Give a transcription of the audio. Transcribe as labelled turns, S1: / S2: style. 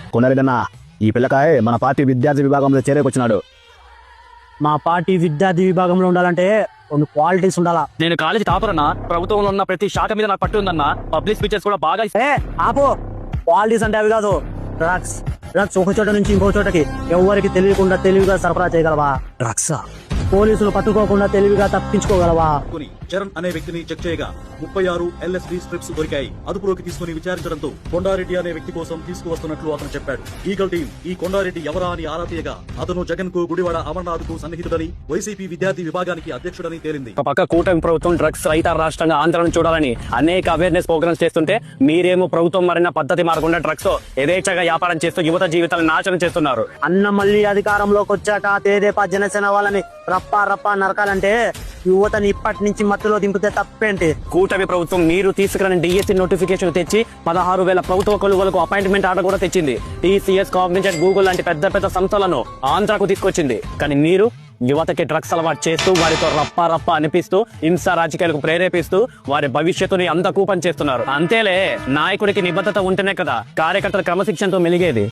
S1: కొనరెడ్డన్నా, ఈ పిల్లకాయ మన పార్టీ విద్యార్థి విభాగంలో చేరేకొచ్చినాడు.
S2: మా పార్టీ విద్యార్థి విభాగంలో ఉండాలంటే కొన్ని క్వాలిటీస్ ఉండాలా.
S3: నేను కాలేజీ టాపర్ అన్నా. ప్రభుత్వంలో ఉన్న ప్రతి శాఖ మీద నాకు పట్టు ఉందన్నా. పబ్లిక్ స్పీచెస్ కూడా బాగా
S2: ఆపో. క్వాలిటీస్ అంటే అవి కాదు, డ్రగ్స్. డ్రగ్స్ ఒక చోట నుంచి ఇంకో చోటకి ఎవరికి తెలియకుండా తెలివిగా సరఫరా చేయగలవా? డ్రగ్స్ పోలీసులు పట్టుకోకుండా తెలివిగా తప్పించుకోగలవా?
S4: చరణ్ అనే వ్యక్తిని చెక్ చేయగా 36 LSD స్ట్రిప్స్ దొరికాయి. అదుపులోకి తీసుకుని విచారించడంతో కొండారెడ్డి అనే వ్యక్తి కోసం తీసుకువస్తున్నట్లు అతను చెప్పాడు. ఈగల్ టీం ఈ కొండారెడ్డి ఎవరా అని ఆరా తీయగా అతను జగన్ కు, గుడివాడ అమర్నాథ్ కు సన్నిహితుడని, వైసీపీ విద్యార్థి విభాగానికి అధ్యక్షుడని తేలింది.
S3: ఒక పక్క కూటమి ప్రభుత్వం డ్రగ్స్ రహిత రాష్ట్రంగా ఆంధ్రను చూడాలని అనేక అవేర్నెస్ ప్రోగ్రామ్స్ చేస్తుంటే, మీరేమో ప్రభుత్వం మారిన పద్ధతి మారకుండా డ్రగ్స్ యథేచ్ఛగా వ్యాపారం చేస్తూ యువత జీవితాలను నాశనం చేస్తున్నారు.
S2: అన్న మళ్ళీ అధికారంలోకి వచ్చాక తేదేపా జనసేన వాళ్ళని రప్పా రప్పా నరకాలంటే యువతని ఇప్పటి నుంచి మత్తులో దింపితే తప్పేంటి?
S3: కూటమి ప్రభుత్వం మీరు తీసుకురాని డిఎస్సి నోటిఫికేషన్ తెచ్చి 16,000 ప్రభుత్వ కొలువులకు అపాయింట్మెంట్ ఆర్డర్ కూడా తెచ్చింది. TCS, కాగ్నిజెంట్, గూగుల్ లాంటి పెద్ద పెద్ద సంస్థలను ఆంధ్రాకు తీసుకొచ్చింది. కానీ మీరు యువతకి డ్రగ్స్ అలవాటు చేస్తూ, వారితో రప్పా రప్పా అనిపిస్తూ, హింసా రాజకీయాలకు ప్రేరేపిస్తూ వారి భవిష్యత్తుని అంత కూపం చేస్తున్నారు. అంతేలే, నాయకుడికి నిబద్ధత ఉంటేనే కదా కార్యకర్తల క్రమశిక్షణతో మెలిగేది.